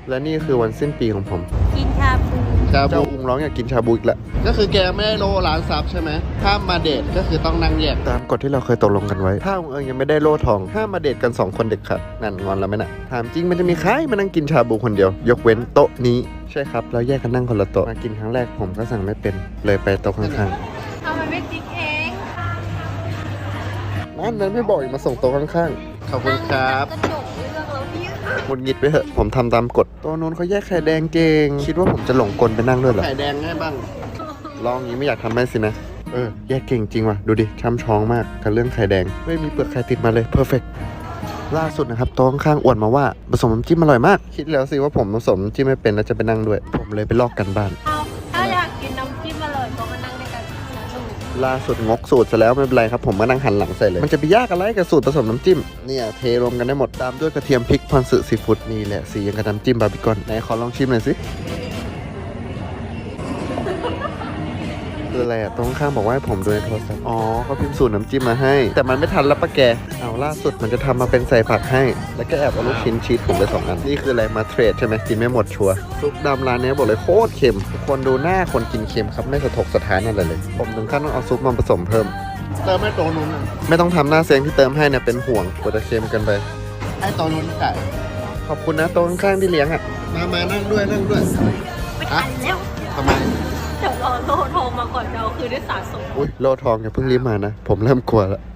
และนี่คือวันสิ้นปีของผมกินชาบูเจ้าอุงร้องอยากกินชาบูอีกแล้วก็คือแกไม่ได้โล่ร้านซับใช่ไหมถ้ามาเดทก็คือต้องนั่งแยกตามกฎที่เราเคยตกลงกันไว้ ถ้าอุงเอิงยังไม่ได้โล่ทองห้ามมาเดทกัน2คนเด็กขาดนั่นงอนแล้วไหมน่ะถามจริงมันจะมีใครมานั่งกินชาบูคนเดียวยกเว้นโต๊ะนี้ใช่ครับเราแยกกันนั่งคนละโต๊ะมากินครั้งแรกผมก็สั่งไม่เป็นเลยไปโต๊ะข้างทำไมไม่ติ๊กเองๆนั่นไม่บอกอีกมาส่งโต๊ะข้างๆขอบคุณครับกระจกเรื่องแล้วเนี่ยหงุดหงิดไปเถอะผมทำตามกฎตัวนู้นเขาแยกไข่แดงเก่งคิดว่าผมจะหลงกลไปนั่งด้วยเหรอไข่แดงง่ายบ้างลองอย่างนี้ไม่อยากทำให้สินะแยกเก่งจริงว่ะดูดิช้ำช้องมากกับเรื่องไข่แดงไม่มีเปลือกไข่ติดมาเลยเพอร์เฟกล่าสุดนะครับโต๊ะข้างๆอวดมาว่าผสมน้ำจิ้มอร่อยมากคิดแล้วสิว่าผมผสมน้ำจิ้มไม่เป็นแล้วจะไปนั่งด้วยผมเลยไปลอกกันบ้านเอาถ้าอยากกินน้ำจิ้มอร่อยก็มานั่งด้วยกันถูกล่าสุดงกสูตรซะแล้วไม่เป็นไรครับผมมานั่งหันหลังใส่เลยมันจะไปยากอะไรกับสูตรผสมน้ำจิ้มเนี่ยเทรวมกันได้หมดตามด้วยกระเทียมพริกพรสึซีฟู้ดนี่แหละสียังกับน้ำจิ้มบาร์บีคอนไหนขอลองชิมหน่อยสิคืออะไรอะตรงข้างบอกว่าให้ผมดูในโทรศัพท์อ๋อเขาพิมพ์สูตรน้ำจิ้มมาให้แต่มันไม่ทันแล้วปะแกเอาล่าสุดมันจะทำมาเป็นใส่ผักให้แล้วก็แอบเอาลูกชิ้นชีสผมไป2 อันนี่คืออะไรมาเทรดใช่ไหมกินไม่หมดชัวร์ซุปดำร้านนี้บอกเลยโคตรเค็มทุกคนดูหน้าคนกินเค็มครับไม่สะทกสะท้านอะไรเลยผมถึงขั้นต้องเอาซุปมาผสมเพิ่มเติมให้โตนุ้นไม่ต้องทำหน้าเซ็งที่เติมให้เนี่ยเป็นห่วงกลัวจะเค็มกันไปให้โตนุ้นไก่ขอบคุณนะโตข้างๆที่เลี้ยงอ่ะมานั่งด้วยไม่ทันแล้วทำไมเดี๋ยวรอโลโทรมาก่อนเราคือได้สะสมอุ้ยโลทองอย่าเพิ่งรีบมานะผมเริ่มกลัวแล้ว